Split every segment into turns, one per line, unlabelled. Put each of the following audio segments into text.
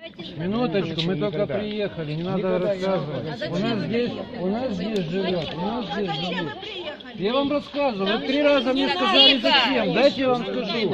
Минуточку, мы только приехали, не надо рассказывать. У нас здесь живет, Я вам рассказываю, вы 3 раза мне сказали зачем, дайте я вам скажу.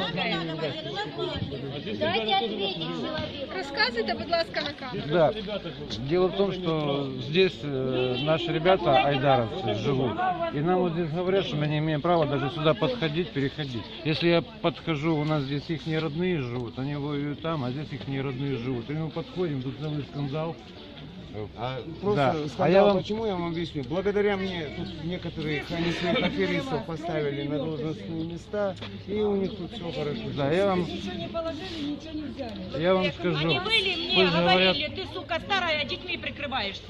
Дайте ответить человеку.
Рассказывайте, будь ласка, на камеру.
Да. Дело в том, что здесь наши ребята, айдаровцы, живут. И нам вот здесь говорят, что мы не имеем права даже сюда подходить, переходить. Если я подхожу, у нас здесь их родные живут, они воюют там, а здесь их родные живут. И мы подходим, тут целый скандал.
Просто скандал, почему я вам объясню? Благодаря мне тут некоторых они своих аферистов поставили на должностные места, и у них тут все хорошо.
Да, я вам скажу.
Они были мне говорили, ты, сука, старая, детьми прикрываешься.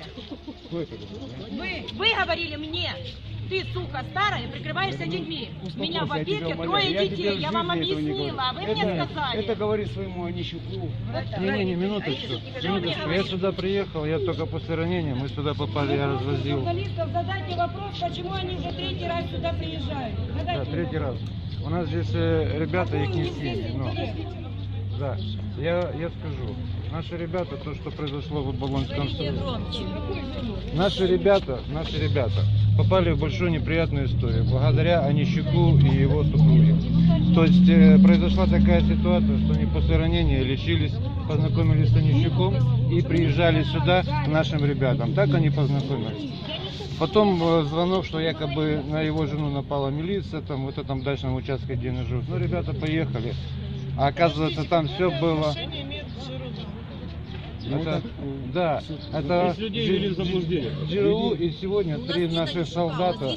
Вы говорили мне, ты, сука, старая, прикрываешься детьми. У меня в опеке 3 детей, я вам объяснила, а вы мне сказали.
Это говорит своему Онищуку.
Не, минуточку. Я сюда приехал, я только после ранения, мы сюда попали, я развозил.
Журналистов задайте вопрос, почему они уже 3-й раз сюда приезжают.
Да, 3-й раз. У нас здесь ребята, их не семьи. Да, я скажу. Наши ребята, то, что произошло в Оболонском суде. Наши ребята попали в большую неприятную историю, благодаря Онищуку и его супруге. То есть произошла такая ситуация, что они после ранения лечились, познакомились с Онищуком и приезжали сюда к нашим ребятам. Так они познакомились. Потом звонок, что якобы на его жену напала милиция, там, вот в этом дачном участке, где они живут. Ну, ребята поехали. А оказывается, там все было. Это ГРУ, и сегодня 3 наших солдата.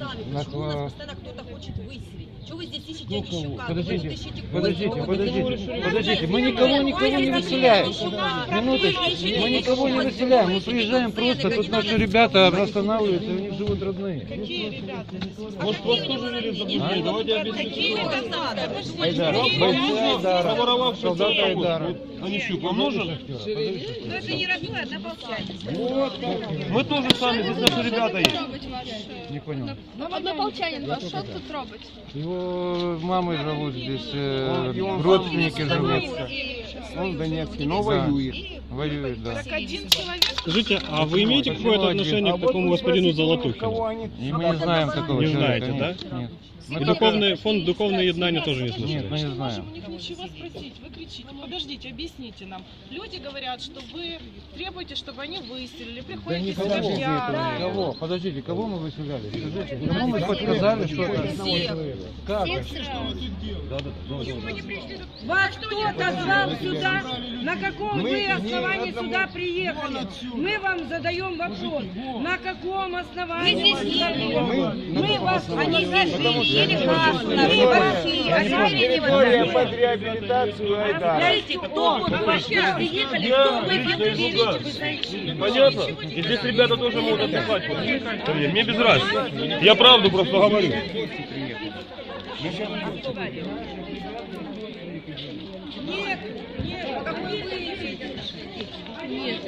Подождите, мы никого не выселяем. Минуточку, мы никого не выселяем, мы приезжаем просто, тут наши ребята останавливаются, у них живут родные.
Какие ребята?
Может, вас тоже вели в заблуждение? Давайте объясните.
Айдара, солдаты Айдара.
Онищук вам нужен?
Но это не родное, однополчанин.
Мы тоже сами, здесь наши ребята есть.
Не понял.
Однополчанин ваш, что тут робить?
Его мамы живут здесь, родственники живут.
Он в Донецке, но воюет.
Воюет, да.
Так один человек?
Скажите, а вы имеете какое-то отношение к такому господину Золотухину?
И мы не знаем такого
Не
человека.
знаете, да?
Нет.
И фонд духовное еднание тоже не слышали?
Нет, мы не знаем.
У них ничего спросить, вы кричите. Подождите, объясните нам. Люди говорят, что вы требуете, чтобы они выселили, приходите с
Кого? Подождите, кого мы выселяли? Скажите, кому мы подсказали что-то? Как?
Вас кто-то звал сюда? На каком вы основании сюда приехали? Мы вам задаем вопрос. На каком основании вы приехали? Мы вас
Они под реабилитацию Айдара.
Кто вообще приехали, кто вы
Понятно? И здесь ребята тоже могут отдыхать. Мне без разницы. Я правду просто говорю.
Нет, какой вы Нет,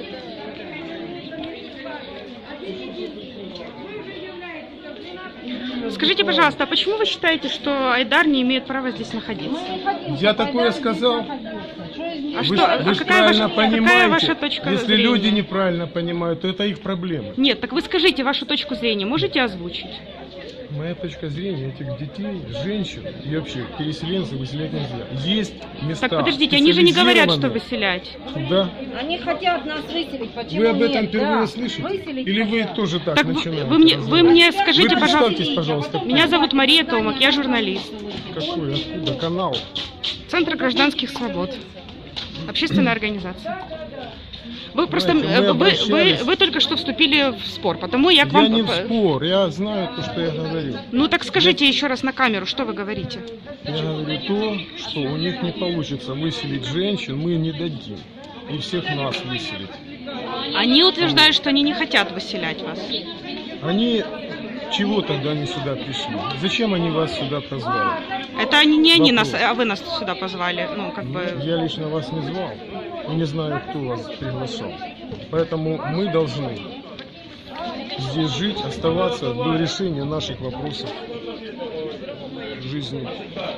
Скажите, пожалуйста, а почему вы считаете, что Айдар не имеет права здесь находиться?
Я такое сказал.
А
Вы,
что?
вы
А
же
какая
правильно понимаете,
ваша точка
если
зрения?
люди неправильно понимают, то это их проблема.
Нет, так вы скажите вашу точку зрения, можете озвучить?
Моя точка зрения, этих детей, женщин и вообще переселенцев выселять нельзя. Есть места.
Так подождите, они же не говорят, что
специализированные.
выселять.
Да.
Они хотят нас выселить. Почему
Вы об этом
нет?
впервые
Да.
слышите?
Выселить
Или вы
хотят.
тоже так
Так
начинаете?
вы мне скажите,
Вы
пожалуйста.
представьтесь, пожалуйста.
Меня зовут Мария Томак, я журналист.
Какой? Откуда? Канал?
Центр гражданских свобод. Общественная организация. Вы просто вы только что вступили в спор, потому я к вам.
Я не в спор, я знаю то, что я говорю.
Ну так скажите еще раз на камеру, что вы говорите?
Я говорю то, что у них не получится выселить женщин, мы не дадим. И всех нас выселить.
Они утверждают, что они не хотят выселять вас.
Они чего тогда они сюда пришли? Зачем они вас сюда позвали?
Это они не они нас, а вы нас сюда позвали. Ну, как бы.
Я лично вас не звал. И не знаю, кто вас приглашал. Поэтому мы должны здесь жить, оставаться до решения наших вопросов в жизни.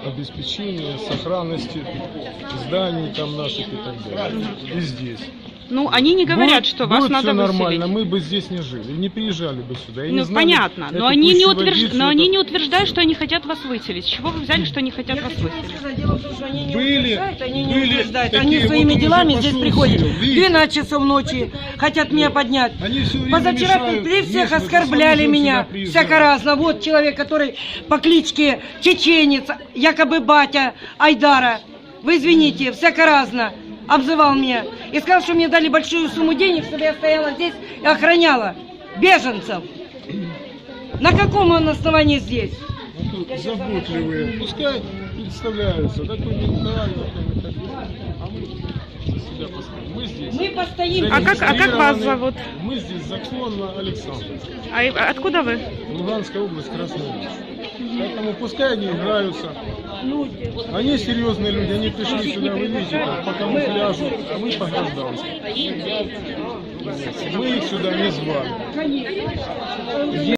обеспечения сохранности зданий там наших и так далее. И здесь.
Ну, они не говорят, что вас
будет
надо
все нормально,
выселить.
мы бы здесь не жили, не приезжали бы сюда. И
Ну,
не знали
понятно,
эту
но они не,
водицу,
но они
это-
не утверждают, что они хотят вас выселить. С чего вы взяли, что они хотят вас выселить?
Дело в том, что они не
Были-
утверждают, они не
были
утверждают.
такие,
Они
вот
своими
он уже
делами
пошел
здесь приходят.
сел, видите?
12 часов ночи хотят меня поднять.
Они все время
Позавчера
мешают,
при всех
если
оскорбляли
сам
меня
сюда приезжает.
всяко разно. Вот человек, который по кличке Чеченец, якобы батя Айдара, вы извините, всяко разно обзывал меня. И сказал, что мне дали большую сумму денег, чтобы я стояла здесь и охраняла беженцев. На каком он основании здесь?
Ну, тут заботливые, пускай представляются, такой менталь, такой и так далее. А мы за себя постоим. Мы здесь.
Мы постоим.
А как вас зовут?
Мы здесь законно Александр.
А откуда вы?
Луганская область, Красная Линия. Поэтому пускай они играются. Они серьезные люди, они пришли сюда, вы видите, как, по камуфляжу, а мы по гражданству. Мы их сюда не звали.